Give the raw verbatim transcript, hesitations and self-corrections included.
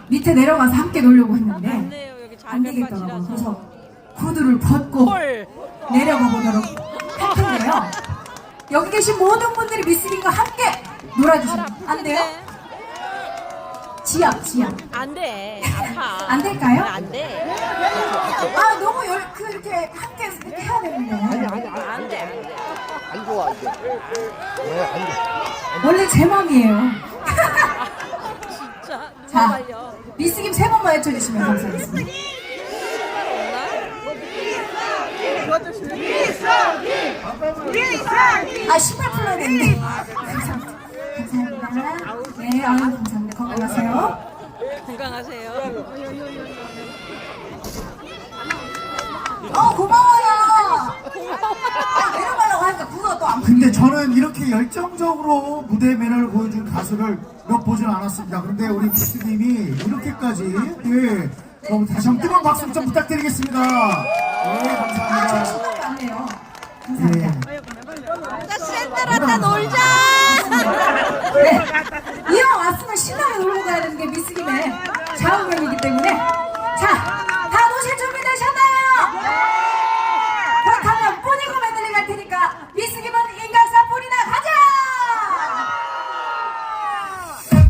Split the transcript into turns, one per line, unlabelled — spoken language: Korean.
밑에 내려가서 함께 놀려고 했는데
안 돼요. 여기
안 되겠더라고요.
잘백밭이라서.
그래서 구두를 벗고
헐.
내려가 보도록 할 텐데요. 여기 계신 모든 분들이 미스김과 함께 놀아주시면 안 돼요? 지압, 지압.
안 돼. 아파.
안 될까요?
안 돼.
아, 너무 열, 그, 이렇게 함께 이렇게 해야 되는데.
안 돼. 안 돼.
안 좋아 이제. 왜 안 돼?
원래 제 맘이에요.
진짜. 누가
자,
말려.
미스김 세 번만 외쳐주시면 감사하겠습니다. 아, 신발 풀어야 되는데. 감사합니다. 감사합니다. 네, 아유, 감사합니다. 건강하세요.
건강하세요.
어, 고마워요. 아, 내려가려고 하니까 구가 또 안.
근데 저는 이렇게 열정적으로 무대 매너를 보여준 가수를 몇 보지는 않았습니다. 그런데 우리 미스님이 이렇게까지 예, 너무 다시 한번 뜨거운 박수 좀 부탁드리겠습니다. 네,
아,
감사합니다.
저 신발이 많네요. 감사합니다.
예.
나 샌들한테 놀자.
네. 이왕 왔으면 신나게 놀고 가야 되는 게 미스김의 좌우명이기 때문에